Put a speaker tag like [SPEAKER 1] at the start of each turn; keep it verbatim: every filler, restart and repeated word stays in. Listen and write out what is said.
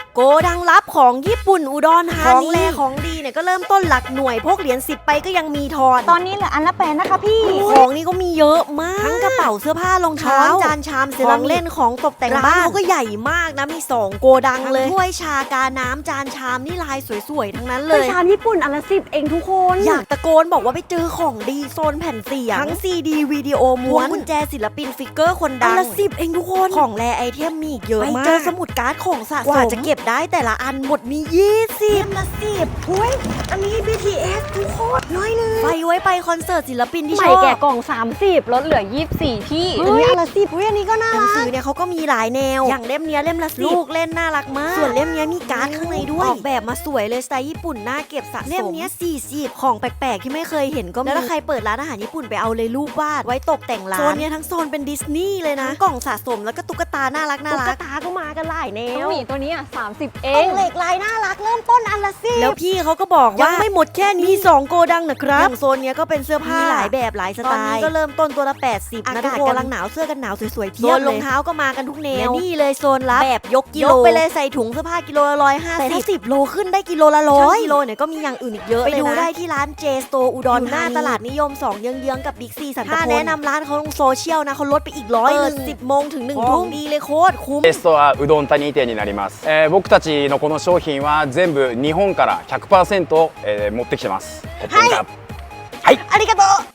[SPEAKER 1] โกดังลับของญี่ปุ่นอุดรธานีของแรของดีเนี่ยก็เริ่มต้นหลักหน่วยพกเหรียญสิบไปก็ยังมีทอน
[SPEAKER 2] ตอนนี้เหลืออันละแปดนะคะพี่
[SPEAKER 1] ของนี่ก็มีเยอะมากทั้งกระเป๋าเสื้อผ้ารองเท้าจานชามเซรามิกเล่นของตกแต่งบ้านเขาก็ใหญ่มากนะมีสองโกดังเลยถ้วยชากาน้ำจานชามนี่ลายสวยๆทั้งนั้นเลย
[SPEAKER 2] ชามญี่ปุ่นอันละสิบเองทุกคน
[SPEAKER 1] อยากตะโกนบอกว่าไปเจอของดีโซนแผ่นเสียงทั้งซีดีวิดีโอม้วนกุญแจศิลปินฟิกเกอร์คนดังอันละสิบเองทุกคนของแรไอเทมมีอีกเยอะมากไปเจอสมุดการ์ดของสะสมกว่าจะเก็บได้แต่ละอันหมดมียี่สิบละสิบถ้วยอันนี้ บี ที เอส ทุกคนน้อยเลยไปไว้ไปคอนเสิร์ตศิลปินที่ชอบ
[SPEAKER 2] ใหม่แก่กล่องสามสิบลดเหลือยี่สิบสี่พี่
[SPEAKER 1] อันนี้อันละสิบอุ้ยอันนี้ก็น่ารักหนังสือเนี่ยเขาก็มีหลายแนวอย่างเล่มเนี้ยเล่มละสิบลูกเล่นน่ารักมากส่วนเล่มเนี้ยมีการ์ดข้างในด้วยออกแบบมาสวยเลยสไตล์ญี่ปุ่นน่าเก็บสะสมเล่มเนี้ยสี่สิบของแปลกๆที่ไม่เคยเห็นก็มีแล้วถ้าใครเปิดร้านอาหารญี่ปุ่นไปเอาเลยรูปวาดไว้ตกแต่งร้านโซนเนี้ยทั้งโซนเป็นดิสนีย์เลยนะกล่องสะสมแล้วก็ตุ๊กตาน่ารักน่ารักตุ๊กตาก็มากันหลายแนว
[SPEAKER 2] หมีตัวนี้อ่ะสามสิบเอ
[SPEAKER 1] งเหล็กลายน่ารักเริ่มต้นอันละสิบแล้วพี่เขาก็บอกว่ายังไม่หมดแค่นี้มีสองโกดังนะครับอย่างโซนเนี้ยก็เป็นเสื้อผ้าหลายแบบหลายสไตล์ตอนนี้ก็เริ่มต้นตัวละแปดสิบอากาศกำลังหนาวเสื้อกันหนาวสวยๆเพียบเลยโซนรองเท้าก็มากันทุกแนวนี่เลยโซนรับแบบยกกิโลยกไปเลยใส่ถุงเสื้อผ้ากิโลละร้อยห้าสิบแต่ถ้าสิบโลขึ้นได้กิโลละร้อยกิโลเนี่ยก็มีอย่างอื่นอีกเยอะไปดูได้ที่ร้านเจสโตอุดรหน้าตลาดนิยมสองเยื้องๆกับบิ๊กซีสันตะพลถ้าแนะนำร้านเขาลงโซเชียลนะเขาลดไปอีกร้อยหนึ่งสิบโมงถึงหนึ่งทุ่มดีเลยโคตรคุ้ม
[SPEAKER 3] ベストはうどん谷店になります、えー、僕たちのこの商品は全部日本から ひゃくパーセント、えー、持ってきてます。
[SPEAKER 1] はい、ありがとう